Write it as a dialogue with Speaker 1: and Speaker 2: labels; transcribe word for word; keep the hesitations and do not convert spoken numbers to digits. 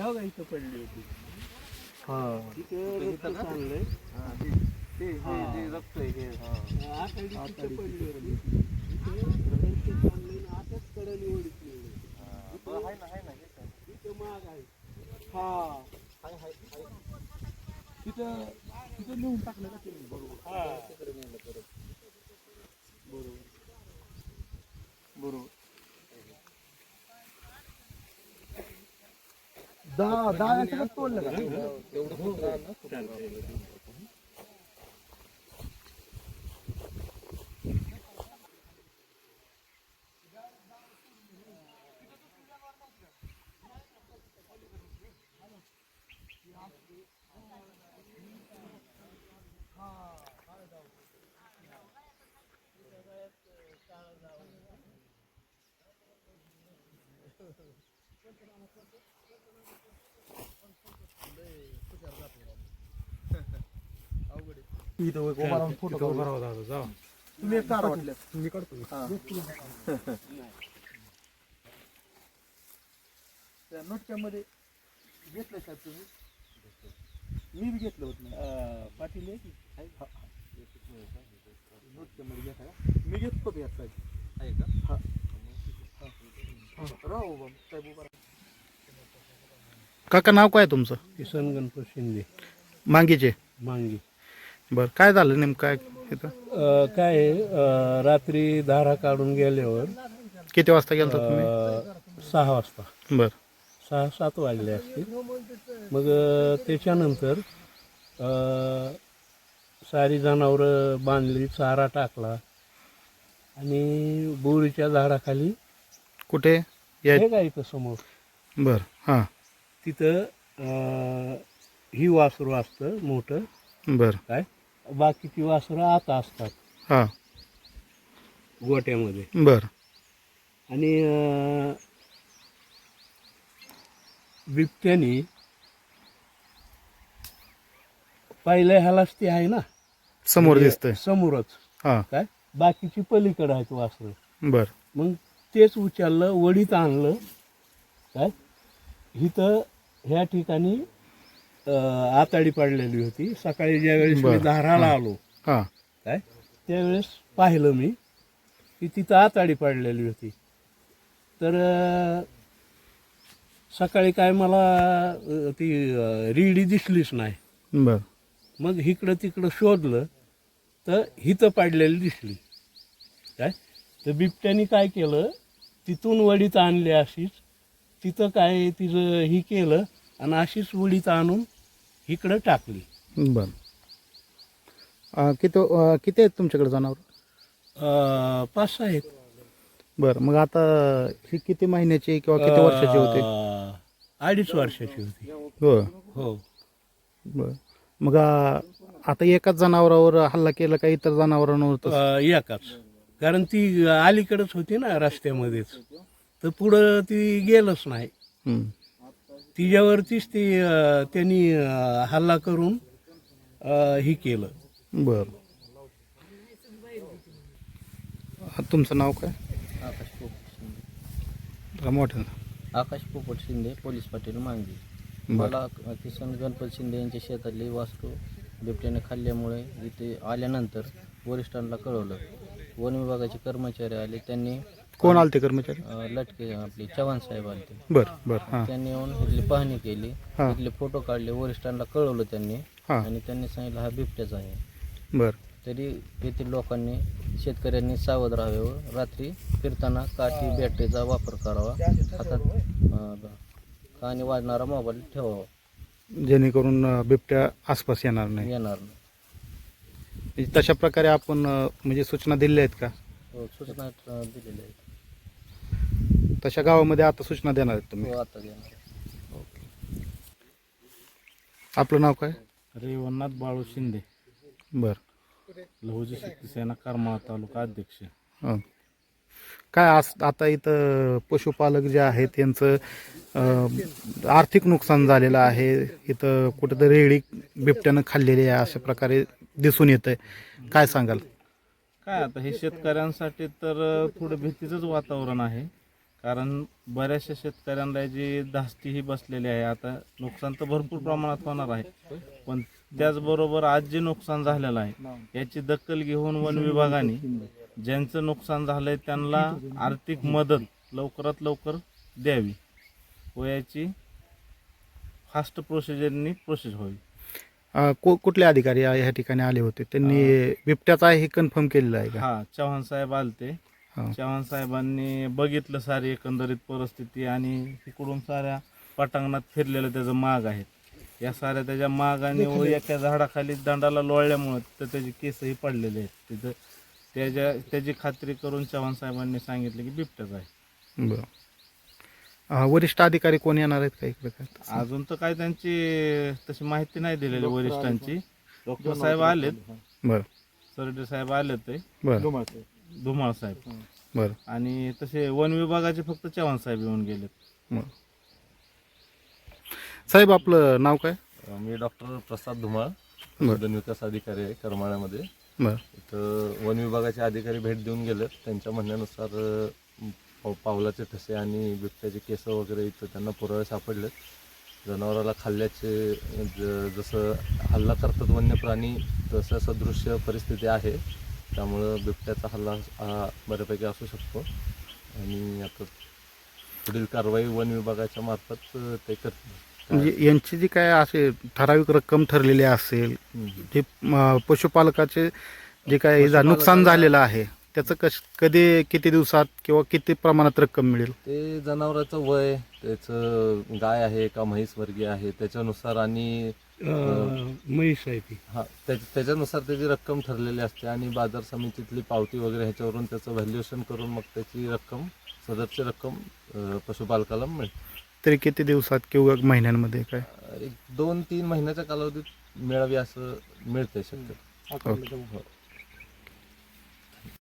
Speaker 1: ह्या गाय इथं पडली होती.
Speaker 2: हा
Speaker 1: तिथं रक्त चाललंय.
Speaker 2: हा ते ते जे रक्त आहे हे हा
Speaker 1: आतडी तिथं पडली होती. इथं रक्त चाललंय आणि आताच कडाने ओढितली.
Speaker 2: हा आहे ना आहे ना हे काय
Speaker 1: तिथं माग आहे. हा
Speaker 2: हाय हाय हाय
Speaker 1: तिथं तिथं लिहून टाकलं का तुम्ही? बरोबर. हा
Speaker 2: तिकडे नेलं परत
Speaker 1: बरोबर बरोबर. दहा दहा याच्यात तोडलं का?
Speaker 2: तेवढं खूप राहणार
Speaker 1: इथं उभा राहून फोटो काढू.
Speaker 3: जा
Speaker 1: तुम्ही एक काढा वाटलं.
Speaker 3: मी काढतो.
Speaker 1: त्या नोटच्या मध्ये घेतलं साहेब तुम्ही? मी बी घेतलं होतं ना. पाटील आहे की नोटच्या मध्ये घेता का? मी घेतो यात साहेब.
Speaker 2: आहे का?
Speaker 1: हा राहू बा साहेब उभा राहा.
Speaker 3: काका नाव काय तुमचं?
Speaker 4: किसन गणपत शिंदे
Speaker 3: मांगीचे.
Speaker 4: मांगी.
Speaker 3: बरं काय झालं नेमकं काय इथं?
Speaker 4: अ, काय आहे, अ, रात्री धारा काढून गेल्यावर
Speaker 3: किती वाजता गेलता तुम्ही?
Speaker 4: अ, सहा वाजता
Speaker 3: बरं
Speaker 4: सहा सात वाजले असतील. मग अ, त्याच्यानंतर अ, सारी जनावरं बांधली, चारा टाकला आणि बोरीच्या झाडाखाली
Speaker 3: कुठे या?
Speaker 4: हे काय इथं समोर
Speaker 3: बरं हां
Speaker 4: तिथं अ, ही वासरू असतं मोठं.
Speaker 3: बरं
Speaker 4: काय बाकीची वासरं आता असतात
Speaker 3: हां
Speaker 4: गोट्यामध्ये.
Speaker 3: बरं
Speaker 4: आणि अ, बिबट्याने पहिल्या ह्यालाच ती आहे ना
Speaker 3: समोर
Speaker 4: म्हणजे
Speaker 3: दिसतंय.
Speaker 4: समोरच
Speaker 3: हां
Speaker 4: काय बाकीची पलीकडे आहेत वासरं.
Speaker 3: बरं
Speaker 4: मग तेच उचललं, वडीत आणलं. काय इथं ह्या ठिकाणी अ, आताडी पडलेली होती. सकाळी ज्यावेळेस मी
Speaker 3: बरं.
Speaker 4: धाराला आलो
Speaker 3: हां
Speaker 4: काय त्यावेळेस पाहिलं मी की तिथं आताडी पडलेली होती. तर अ, सकाळी काय मला अ, ती अ, रेडी दिसलीच नाही.
Speaker 3: बरं
Speaker 4: मग इकडं तिकडं शोधलं तर हिथं पाडलेली दिसली. काय तर बिबट्याने काय केलं, तिथून वडीत आणली अशीच. तिथं काय तिचं ही केलं आणि अशीच वडीत आणून इकडं टाकली.
Speaker 3: बरं अं, किती अं, किती आहेत तुमच्याकडे जनावर?
Speaker 4: अ, पाच सहा आहेत.
Speaker 3: बरं मग आता ही किती महिन्याची किंवा किती वर्षाची होते?
Speaker 4: अ, अडीच वर्षाची होती.
Speaker 3: हो
Speaker 4: हो
Speaker 3: बरं मग अं, आता एकाच जनावरावर हल्ला केला का इतर जनावरांवर तसं?
Speaker 4: अ, एकाच. कारण ती अलीकडेच होती ना रस्त्यामध्येच, तर पुढं ती गेलंच नाही.
Speaker 3: हं.
Speaker 4: तिच्यावरतीच ती अ, त्यांनी अ, हल्ला करून अ, ही केलं.
Speaker 3: बरं अं, तुमचं नाव काय?
Speaker 2: आकाश पोपट शिंदे.
Speaker 3: जरा मोठं.
Speaker 2: आकाश पोपट शिंदे, पोलीस पाटील मांगी.
Speaker 3: बरं
Speaker 2: मला किसन गणपत शिंदे यांच्या शेतातली वास्तू बिबट्याने खाल्ल्यामुळे इथे आल्यानंतर वरिष्ठांना कळवलं. वन विभागाचे कर्मचारी आले. त्यांनी
Speaker 3: कोण आलते कर्मचारी?
Speaker 2: अ, लटके आपले चव्हाण साहेब आले.
Speaker 3: बरं बरं हां
Speaker 2: त्यांनी येऊन इथली पाहणी केली.
Speaker 3: हां.
Speaker 2: इथले फोटो काढले. वरिष्ठांना कळवलं त्यांनी
Speaker 3: हां
Speaker 2: आणि त्यांनी सांगितलं हा बिबट्याचा आहे.
Speaker 3: बरं
Speaker 2: तरी येथील लोकांनी शेतकऱ्यांनी सावध राहावे व रात्री फिरताना काठी बॅटरीचा वापर करावा. हातात अ, कानी वाजणारा मोबाईल ठेवावा.
Speaker 3: जेणेकरून अं, बिबट्या आसपास येणार नाही.
Speaker 2: येणार नाही.
Speaker 3: म्हणजे तशा प्रकारे आपण अं, म्हणजे सूचना दिल्या आहेत का?
Speaker 2: हो, सूचना अ, दिलेल्या आहेत.
Speaker 3: तशा गावामध्ये आता सूचना देणार आहेत तुम्ही?
Speaker 2: हो, आता देणार.
Speaker 3: आपलं नाव काय?
Speaker 5: रेवणनाथ बाळू शिंदे,
Speaker 3: बरं
Speaker 5: लहुजी शक्ती सेना करमाळा तालुका अध्यक्ष.
Speaker 3: हां काय आज आता इथं पशुपालक जे आहेत त्यांचं अं, आर्थिक नुकसान झालेलं आहे. इथं कुठंतरी रेडी बिबट्यानं खाल्लेली आहे अशा प्रकारे दिसून येत आहे. काय सांगाल?
Speaker 5: काय आता हे शेतकऱ्यांसाठी तर थोडं भीतीचंच वातावरण आहे. कारण बऱ्याचशा शेतकऱ्यांना जी धास्तीही बसलेली आहे. आता नुकसान तर भरपूर प्रमाणात होणार आहे, पण त्याचबरोबर आज जे नुकसान झालेलं आहे याची दखल घेऊन वन विभागाने ज्यांचं नुकसान झालंय त्यांना आर्थिक मदत लवकरात लवकर द्यावी व याची फास्ट प्रोसिजरनी प्रोसेस व्हावी.
Speaker 3: अ, कु- कुठले अधिकारी या या ठिकाणी आले होते? त्यांनी बिबट्याचं आहे हे कन्फर्म केलेलं आहे का?
Speaker 5: हा, चव्हाण साहेब आलते.
Speaker 3: हा.
Speaker 5: चव्हाण साहेबांनी बघितलं सारी एकंदरीत परिस्थिती आणि तिकडून साऱ्या पटांगणात फिरलेलं त्याचं माग आहे. या साऱ्या त्याच्या मागाने व एका झाडाखाली दंडाला लोळल्यामुळे तर त्याचे केसही पडलेले आहेत तिथं. त्याच्या त्याची खात्री करून चव्हाण साहेबांनी सांगितलं की बिबट्याच आहे.
Speaker 3: बरं. अ, वरिष्ठ अधिकारी कोण येणार आहेत का इकडे काय?
Speaker 5: अजून तर काय त्यांची तशी माहिती नाही दिलेली वरिष्ठांची. डॉक्टर साहेब आलेत,
Speaker 3: बरं
Speaker 5: सरडे साहेब आलेत ते,
Speaker 3: बरं
Speaker 5: धुमाळ साहेब,
Speaker 3: बरं
Speaker 5: आणि तसे वन विभागाचे फक्त चव्हाण साहेब येऊन गेलेत.
Speaker 3: बरं. साहेब आपलं नाव काय?
Speaker 6: मी डॉक्टर प्रसाद धुमाळ,
Speaker 3: बरं.
Speaker 6: पशुधन विकास अधिकारी आहे करमाळ्यामध्ये.
Speaker 3: बरं
Speaker 6: इथं वन विभागाचे अधिकारी भेट देऊन गेलेत. त्यांच्या म्हणण्यानुसार अ, पाव- पावलाचे ठसे आणि बिबट्याचे केस वगैरे इथं त्यांना पुरावे सापडलेत. जनावराला खाल्ल्याचे ज जसं हल्ला करतात वन्य प्राणी तसं सदृश्य परिस्थिती आहे. त्यामुळं बिबट्याचा हल्ला हा बऱ्यापैकी असू शकतो आणि आता पुढील कारवाई वन विभागाच्या मार्फत अ, ते करतील.
Speaker 3: म्हणजे यांची जी काय असे ठराविक रक्कम ठरलेली असेल,
Speaker 6: हम्म.
Speaker 3: जे अ, पशुपालकाचे जे काय जा- नुकसान झालेलं आहे त्याचं कश कधी किती दिवसात किंवा किती प्रमाणात रक्कम मिळेल?
Speaker 6: ते जनावराचं वय, त्याचं गाय आहे का म्हैस वर्गीय आहे त्याच्यानुसार आणि
Speaker 4: अं, म्हैस आहे ती.
Speaker 6: हा त्याच्या त्याच्यानुसार त्याची रक्कम ठरलेली असते आणि बाजार समितीतली पावती वगैरे ह्याच्यावरून त्याचं व्हॅल्युएशन करून मग त्याची रक्कम सदरची रक्कम अ, पशुपालकाला मिळते.
Speaker 3: तरी किती दिवसात किंवा महिन्यांमध्ये काय?
Speaker 6: एक दोन तीन महिन्याच्या कालावधीत मिळावी असं मिळते शक्यतो.
Speaker 3: ओके.
Speaker 6: हो.